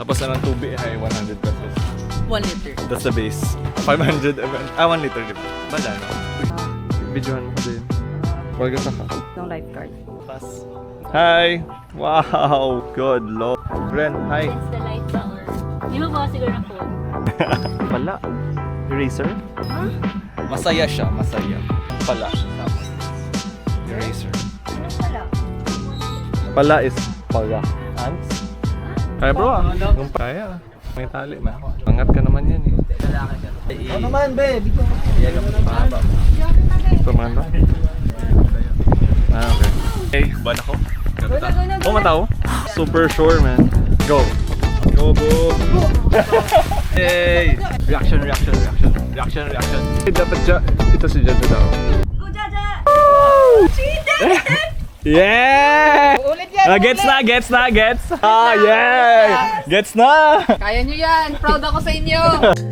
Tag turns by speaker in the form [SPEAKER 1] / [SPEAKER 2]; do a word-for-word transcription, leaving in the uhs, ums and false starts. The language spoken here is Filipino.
[SPEAKER 1] Tapos na ng tubig ay one hundred pesos.
[SPEAKER 2] one liter.
[SPEAKER 1] That's the base. five hundred ml. Ah, one liter, di ba? Bala, no? Videohan mo din. Huwag ka ka.
[SPEAKER 2] No lifeguard.
[SPEAKER 1] Pass. Hi! Wow! Good lord. Ren, hi.
[SPEAKER 3] It's the light ba or... Hindi mo ba siguro ng phone?
[SPEAKER 1] Pala. Eraser? Masaya siya, masaya. Pala. Eraser.
[SPEAKER 3] Ano pala?
[SPEAKER 1] Pala is pala. Ants? Kaya bro ah. Kung kaya. May tali man. Angat ka naman yan eh.
[SPEAKER 4] Ano naman, be? Bigyan mo.
[SPEAKER 1] Ito man ba? Ah, okay. Okay, ban ako. Oh, mataw? Super sure, man. Go. Go, boom. Hey! Reaction, reaction, reaction. Reaction, reaction. Hey, dapat dyan. Ito si Jada daw.
[SPEAKER 3] Go, Jaja!
[SPEAKER 1] Yeah!
[SPEAKER 2] Ulit yan!
[SPEAKER 1] Ah, gets na, gets na, gets! Ah, yeah! Gets na!
[SPEAKER 2] Kaya nyo yan! Proud ako sa inyo!